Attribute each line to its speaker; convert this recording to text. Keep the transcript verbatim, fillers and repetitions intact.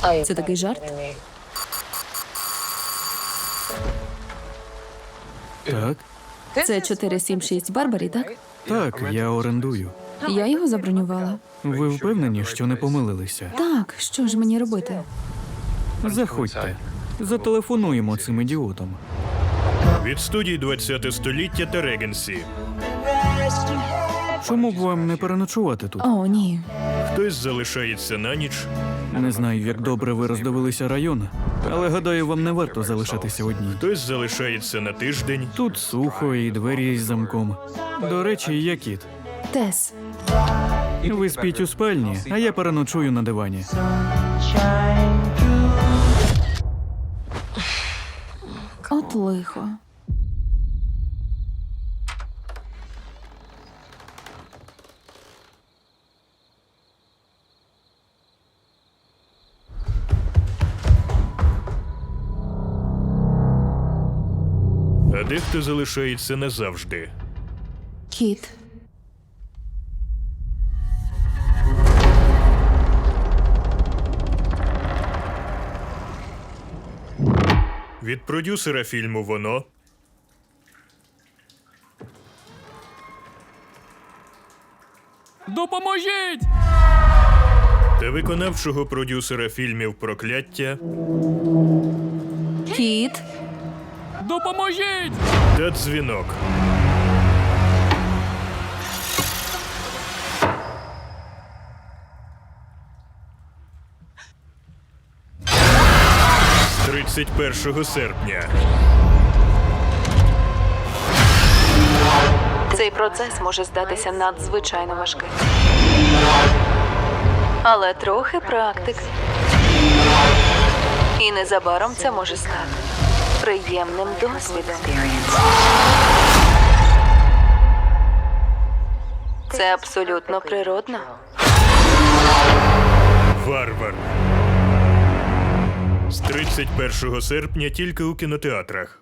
Speaker 1: Це такий жарт?
Speaker 2: Так?
Speaker 1: Це чотири сім шість Барбарі, так?
Speaker 2: Так, я орендую.
Speaker 1: Я його забронювала.
Speaker 2: Ви впевнені, що не помилилися?
Speaker 1: Так, що ж мені робити?
Speaker 2: Заходьте. Зателефонуємо цим ідіотам.
Speaker 3: Від студії двадцяте століття та Регенсі.
Speaker 2: Чому б вам не переночувати тут?
Speaker 1: О, ні.
Speaker 3: Хтось залишається на ніч,
Speaker 2: Не знаю, як добре ви роздивилися район, але гадаю, вам не варто залишатися одній.
Speaker 3: хтось залишається на тиждень.
Speaker 2: Тут сухо і двері із замком. До речі, я кіт.
Speaker 1: Тес.
Speaker 2: Ви спіть у спальні, а я переночую на дивані.
Speaker 1: От лихо.
Speaker 3: А дехто залишається назавжди.
Speaker 1: Кіт.
Speaker 3: Від продюсера фільму «Воно»
Speaker 2: Допоможіть!
Speaker 3: та виконавчого продюсера фільмів «Прокляття»
Speaker 1: Кіт.
Speaker 2: Допоможіть!
Speaker 3: та «Дзвінок». З тридцять першого серпня.
Speaker 4: Цей процес може здатися надзвичайно важким. Але трохи практики. І незабаром це може стати приємним досвідом. Це абсолютно природно.
Speaker 3: «Варвар». З тридцять першого серпня тільки у кінотеатрах.